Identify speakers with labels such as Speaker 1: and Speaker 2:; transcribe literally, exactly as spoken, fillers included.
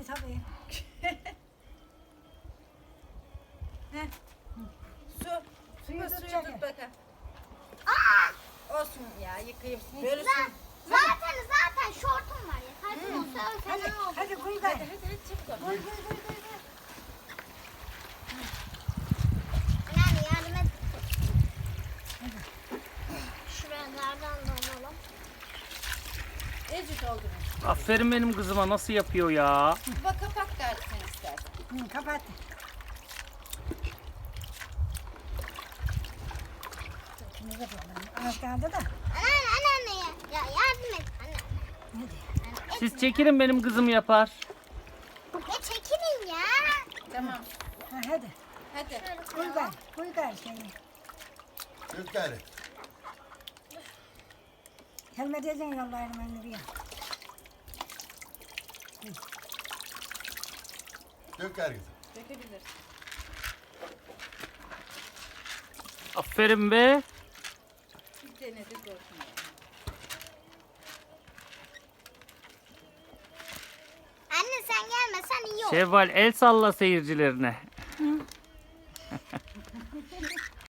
Speaker 1: tabii.
Speaker 2: Heh. Su.
Speaker 1: Suyu
Speaker 2: Suyu,
Speaker 1: tut
Speaker 2: suyu
Speaker 1: çekin.
Speaker 2: tut bakalım.
Speaker 3: Aa!
Speaker 2: Olsun ya yıkayayım. Böyle su.
Speaker 3: Za- Zaten zaten şortum var ya. Kalbim olsa
Speaker 1: Hadi,
Speaker 3: fena olur.
Speaker 1: hadi koy
Speaker 2: Hadi
Speaker 1: gari.
Speaker 2: hadi hadi çabuk ol.
Speaker 1: Koy koy koy koy.
Speaker 3: Yani yardım et. Şuralardan da alalım.
Speaker 2: Ecik oldu mu?
Speaker 4: Aferin benim kızıma, nasıl yapıyor ya?
Speaker 2: Bak kapak gari sen istersen.
Speaker 1: Hı, kapat. Şimdi de böyle. Az kaldı da.
Speaker 3: Anneanne anneanneye. Ya yardım et anne.
Speaker 1: Hadi.
Speaker 3: Yani et
Speaker 4: Siz çekilin, benim kızım yapar.
Speaker 3: ya çekilin ya.
Speaker 2: Tamam.
Speaker 1: Ha, hadi.
Speaker 2: Hadi.
Speaker 3: Şöyle
Speaker 1: Koy
Speaker 3: koyalım.
Speaker 1: gari. Koy gari şeyi.
Speaker 5: Dök gari.
Speaker 1: Helmet edin yollarını ben buraya.
Speaker 5: Dök gari kızım.
Speaker 2: Dökebilirsin.
Speaker 4: Aferin be.
Speaker 2: Bir denedik olsun.
Speaker 3: Anne sen gelmesen iyi olur.
Speaker 4: Şevval, el salla seyircilerine.